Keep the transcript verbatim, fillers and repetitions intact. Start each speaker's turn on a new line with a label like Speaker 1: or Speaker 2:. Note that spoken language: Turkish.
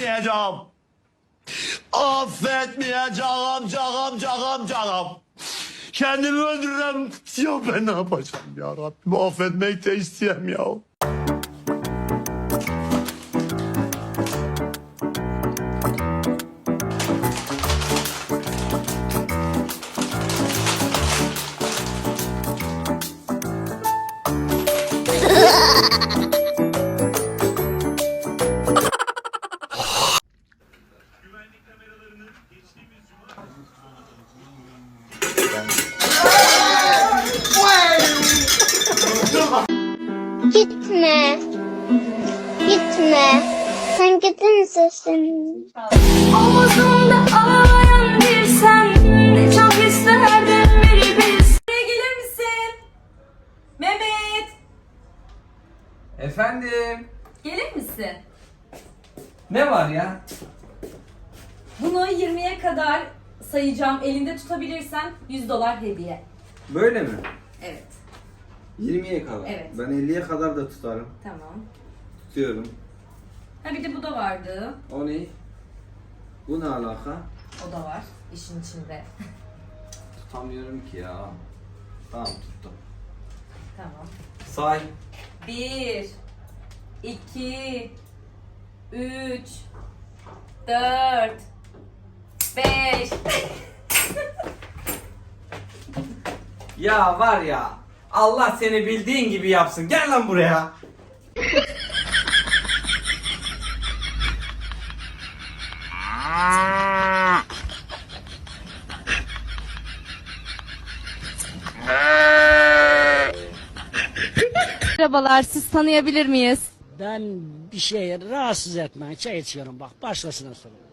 Speaker 1: affetmeyeceğim. Affetmeyeceğim canım canım canım. Kendimi öldürürüm. Ya ben ne yapacağım ya Rabbim? Affetmek de isteyem ya.
Speaker 2: Gitme. Gitme. Sen gidince senin.
Speaker 3: Omuzumda ağlayan bir sen. Çok isterdim bir biz. Buraya gelir misin? Mehmet.
Speaker 4: Efendim?
Speaker 3: Gelir misin?
Speaker 4: Ne var ya?
Speaker 3: Bunu yirmiye kadar sayacağım. Elinde tutabilirsen yüz dolar hediye.
Speaker 4: Böyle mi?
Speaker 3: Evet.
Speaker 4: yirmiye kadar.
Speaker 3: Evet.
Speaker 4: Ben elliye kadar da tutarım.
Speaker 3: Tamam.
Speaker 4: Tutuyorum.
Speaker 3: Ha bir de bu da vardı.
Speaker 4: O ne? Bu ne alaka?
Speaker 3: O da var işin içinde.
Speaker 4: Tutamıyorum ki ya. Tamam tuttum.
Speaker 3: Tamam.
Speaker 4: Say.
Speaker 3: Bir, iki, üç, dört, beş.
Speaker 4: Ya var ya. Allah seni bildiğin gibi yapsın. Gel lan buraya.
Speaker 5: Merhabalar, siz tanıyabilir miyiz?
Speaker 6: Ben bir şeye rahatsız etmeyin. Çay içiyorum bak. Başkasına sorun.